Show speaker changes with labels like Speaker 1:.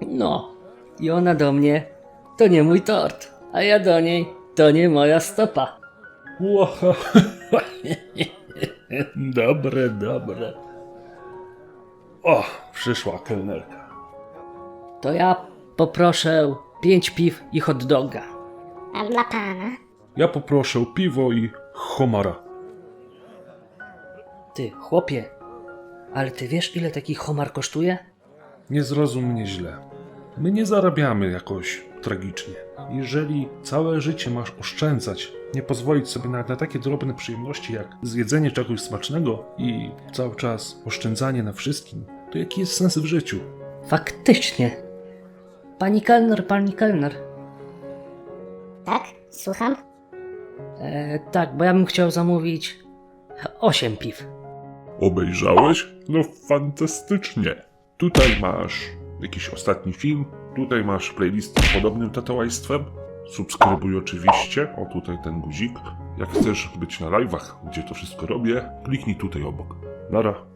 Speaker 1: No, i ona do mnie, to nie mój tort, a ja do niej, to nie moja stopa.
Speaker 2: Ło, dobre, dobre. O, przyszła kelnerka.
Speaker 1: To ja poproszę 5 piw i hot doga.
Speaker 3: A dla pana?
Speaker 2: Ja poproszę piwo i homara.
Speaker 1: Ty, chłopie, ale ty wiesz, ile taki homar kosztuje?
Speaker 2: Nie zrozum mnie źle. My nie zarabiamy jakoś tragicznie. Jeżeli całe życie masz oszczędzać, nie pozwolić sobie na takie drobne przyjemności jak zjedzenie czegoś smacznego i cały czas oszczędzanie na wszystkim, to jaki jest sens w życiu?
Speaker 1: Faktycznie. Pani kelner.
Speaker 3: Tak? Słucham?
Speaker 1: Tak, bo ja bym chciał zamówić 8 piw.
Speaker 4: Obejrzałeś? No fantastycznie. Tutaj masz jakiś ostatni film, tutaj masz playlist z podobnym tatuajstwem. Subskrybuj oczywiście, o tutaj ten guzik. Jak chcesz być na live'ach, gdzie to wszystko robię, kliknij tutaj obok. Nara.